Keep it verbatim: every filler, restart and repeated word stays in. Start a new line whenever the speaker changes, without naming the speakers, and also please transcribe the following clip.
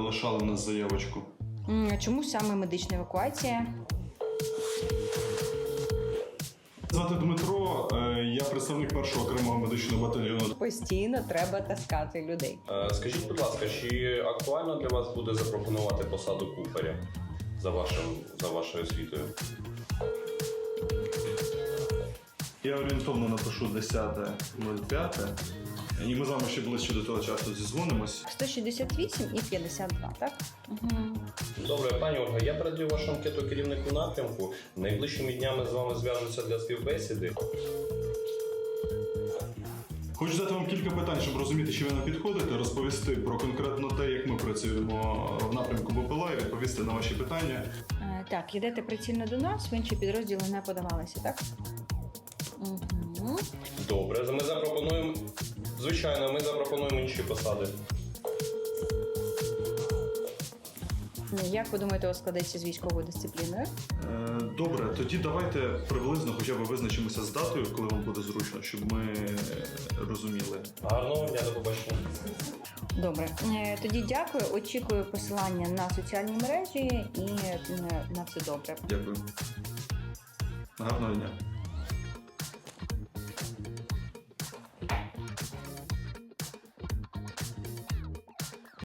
залишали в нас заявочку.
М, Чому саме медична евакуація?
Звати Дмитро, е, я представник першого окремого медичного батальйону.
Постійно треба таскати людей.
Е, Скажіть, будь ласка, чи актуально для вас буде запропонувати посаду кухаря за вашим за вашою освітою?
Я орієнтовно напишу десяте нуль п'яте. І ми з вами ще ближче до того часу зізвонимось.
сто шістдесят вісім і п'ятдесят два, так? Угу.
Добре, пані Ольга, я передаю вашу анкету керівнику напрямку. Найближчими днями з вами зв'яжуться для співбесіди.
Хочу задати вам кілька питань, щоб розуміти, чи ви нам підходите, розповісти про конкретно те, як ми працюємо в напрямку БПЛА і відповісти на ваші питання.
Е, так, йдете прицільно до нас, в інші підрозділи не подавалися, так? Угу.
Добре, ми запропонуємо. Звичайно, ми запропонуємо інші посади.
Як ви думаєте, у вас складеться з військовою дисципліною?
Е, Добре, тоді давайте приблизно хоча б визначимося з датою, коли вам буде зручно, щоб ми розуміли.
Гарного дня, до побачення.
Добре. Е, Тоді дякую. Очікую посилання на соціальні мережі і е, на все добре.
Дякую. Гарного дня.